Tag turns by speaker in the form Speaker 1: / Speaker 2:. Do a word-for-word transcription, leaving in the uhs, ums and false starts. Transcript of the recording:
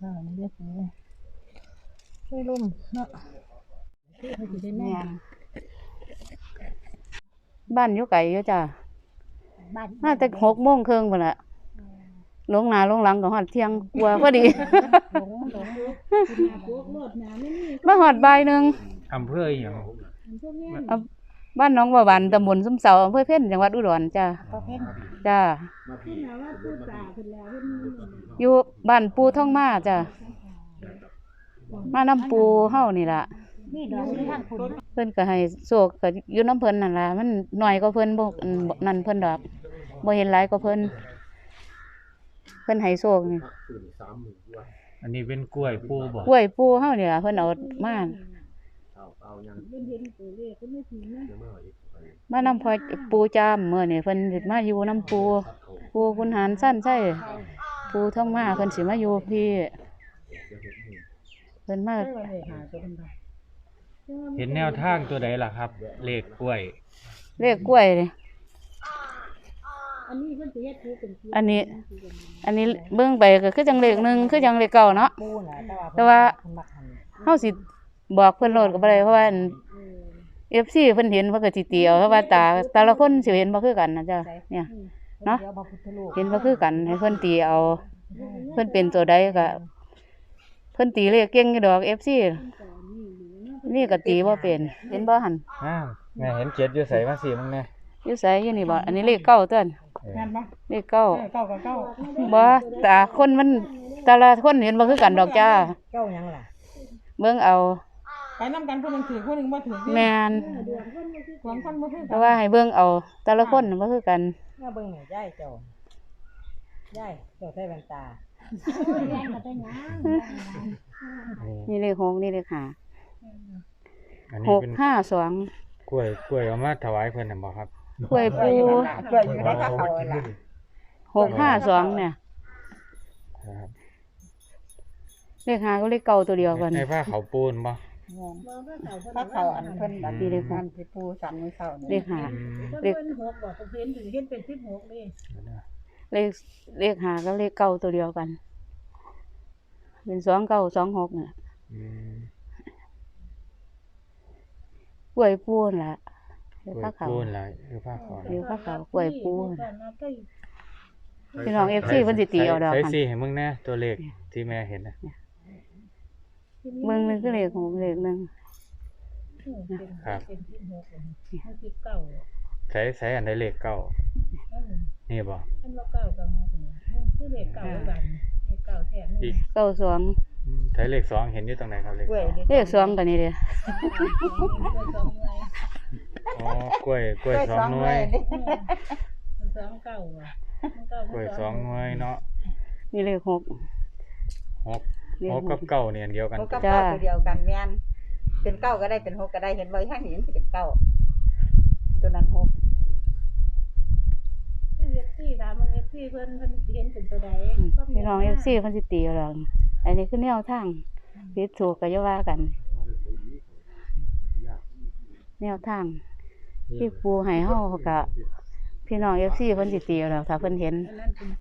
Speaker 1: อ่านี่เรียกเลยช่วยลุ่มเนาะเขาสิได้แม่
Speaker 2: บ้านอยู่ไกลอยู่จ้ะ
Speaker 1: บ้าน
Speaker 2: มาแต่หกโมงครึ่งพุ่นล่ะลงหน้าลงหลังก็ฮอดเที่ยงกว่าพอดี
Speaker 1: หลงหลง
Speaker 2: มาฮอดบ่ายหนึ่ง
Speaker 3: อำเภออหย่าง
Speaker 2: เอาบ้านหนองบัวบานตำบลซุ้มเสาอำเภอเพ็ญจังหวัดอุดรจ้ะ
Speaker 1: ก็เพ่น
Speaker 2: จ้ะอยู่บ้านปูท่องมาจ้ะมาน้ำปูเฮานี่ล่ะ
Speaker 1: นี่ดอกที่ทางคุณ
Speaker 2: เพิ่นก็ให้โชคก็อยู่น้ำเพิ่นนั่นล่ะมันน้อยกว่าเพิ่นบ่อันบ่นั่นเพิ่นดอกบ่เห็นหลายกว่าเพิ่นเพิ่นให้โชคนี่
Speaker 3: อันนี้เป็นกล้วยปูบ่
Speaker 2: กล้วยปูเฮานี่ล่ะเพิ่นเอามามานํพอปูจามมื้อนี้เพิ่นสิมาอยู่น้ำปูปูคุณหารสั้นใช่ปูท่องมาเพิ่นสิมาอยู่พี่เพิ่นมา
Speaker 3: เห็นแนวทางตัวใดล่ะครับ เลขกล้วย
Speaker 2: เลขกล้วยนี่อันนี้ อันนี้เบิ่งไปก็คือจังเลขหนึ่งคือจังเลขเก้าเนาะ
Speaker 1: ปูน่ะ
Speaker 2: แต่ว่า เฮาสิบอกเพิ่นโลดก็บ่ได้เพราะว่า เอฟ ซี เพิ่นเห็นเพิ่นก็สิตีเอาเพราะว่าตาแต่ละคนสิเห็นบ่คือกันนะจ้ะเนี่ยเนาะเห็นบ่คือกันให้เพิ่นตีเอาเพิ่นเป็นตัวใดก็เพิ่นตีเลขเก่งอยู่ดอก เอฟ ซี นี่ก็ตีบ่เป็นเห็นบ่หั่น
Speaker 3: อ้าวแม่เห็นเจ็ดอยู่ใส่มาสิมึงแน่
Speaker 2: อยู่ไสอยู่นี่บ่อันนี้เลขเก้าเติ้น
Speaker 1: งานบ่
Speaker 2: เลขเก้า
Speaker 1: เก้ากับเก้า
Speaker 2: บ่ตาคนมันแต่ละคนเห็นบ่คือกันดอกจ้า
Speaker 1: เก้ายังล่ะ
Speaker 2: เบิ่งเอา
Speaker 1: ไปนำกันผู้นึงถือผู้นึงบ่ถือ
Speaker 2: แม่น
Speaker 1: หวังคนบ่ถือ
Speaker 2: แต่ว่าให้เบิ่งเอาแต่ละคนบ่คือกัน
Speaker 1: มาเบิ่งหน่อยยายเจ้ายายเจ้าใส่แว่นตา
Speaker 2: นี่เลขหกนี่เลขห้า
Speaker 3: อัน
Speaker 2: ห
Speaker 3: นี้
Speaker 2: ก
Speaker 3: เป็น
Speaker 2: ห้าสอง
Speaker 3: กล้วยกล้วยเอามาถวายเพิ่นน่ะบ่ครับ
Speaker 2: กล้วยปู
Speaker 1: เกิดอยู่ในกระเขาล่ะ
Speaker 2: หกห้าสองเนี่ย
Speaker 3: ครับ
Speaker 2: เลขห้าก็เลขเก้าตัวเดียวกัน
Speaker 3: ไอ้ผ้าเขาวปูนบ่
Speaker 1: พระเขาอันเพิ่นอัน
Speaker 2: นี่เลยค่ะ
Speaker 1: อันที่ปูสันมื้อเช้า
Speaker 2: เล
Speaker 1: นี่
Speaker 2: ขห้า
Speaker 3: อืม
Speaker 2: เลข
Speaker 4: หกบอกเห็นถึงเห็นเป็นสิบหกเลย
Speaker 2: เลขเลขห้าก็เลขเก้าตัวเดียวกัน เป็นสองเก้าสองหกเนี่ย
Speaker 3: อืม
Speaker 2: กล้วยปูนล่ะเล
Speaker 3: ก
Speaker 2: ข
Speaker 3: ล้วย
Speaker 2: ผ้าขาว
Speaker 3: ปูนล่ะคือผ้าขาว
Speaker 2: เลขผ้าขาวกล้วยปูนพี่น้องเอฟซีเพิ่นสิตีเอาดอก
Speaker 3: ใส่
Speaker 2: กัน
Speaker 3: สิให้มึงแน่ตัวเลขที่แม่เห็นน่ะ
Speaker 2: เบิ่งหนึงคือเลขหกเลขหนึ่ง
Speaker 3: ครับ
Speaker 4: เป็นสิบหกห้าสิบเก้า
Speaker 3: ใส่ใส่อันใดเลขเก้านี่บ่
Speaker 4: อันว่าเก้ากับหกเนี่ยคือเลขเก้าบันเลขเก้าแท้
Speaker 3: อี
Speaker 4: นี่
Speaker 3: ก
Speaker 2: เก้าสอง
Speaker 3: อืมใช้เลขสองเห็นอยู่ตรงไหนครับเลข
Speaker 1: กล้วย
Speaker 3: สอง
Speaker 1: นี่
Speaker 2: เลขสองกันนี่เด้อ
Speaker 4: สองเลย
Speaker 3: อ๋อกล้วยกล้วยสองหน่วย
Speaker 4: สองเก้าอ่ะ
Speaker 3: กล้วยสองหน่วยเนาะ
Speaker 2: นี่เลขหก
Speaker 3: หก
Speaker 2: เลข
Speaker 3: ห
Speaker 2: ห
Speaker 3: ก
Speaker 2: ก
Speaker 3: กับเก้าเนี่ยอันเดียวกัน
Speaker 1: หกกับเก้าตัวเดียวกันแม่นเป็นเก้าก็ได้เป็นหกก็ได้เห็นบ่ทางนี้มันสิเป็นเก้าตัวนั้นหก
Speaker 4: เอฟซีถามว่าเอฟซีเพิ่นเพิ่นเห็นเป็นตัวใด
Speaker 2: อืมพี่น้องเอฟซีเพิ่นสิตีเอาดอกอันนี้คือแนวทางผิดถูกก็อย่าว่ากัน แนวทางที่ปูให้เฮาก็พี่น้อง เอฟ ซี เพิ่นสิตีเอาดอกถ้าเพิ่นเห็น
Speaker 4: อันนั้นเป็น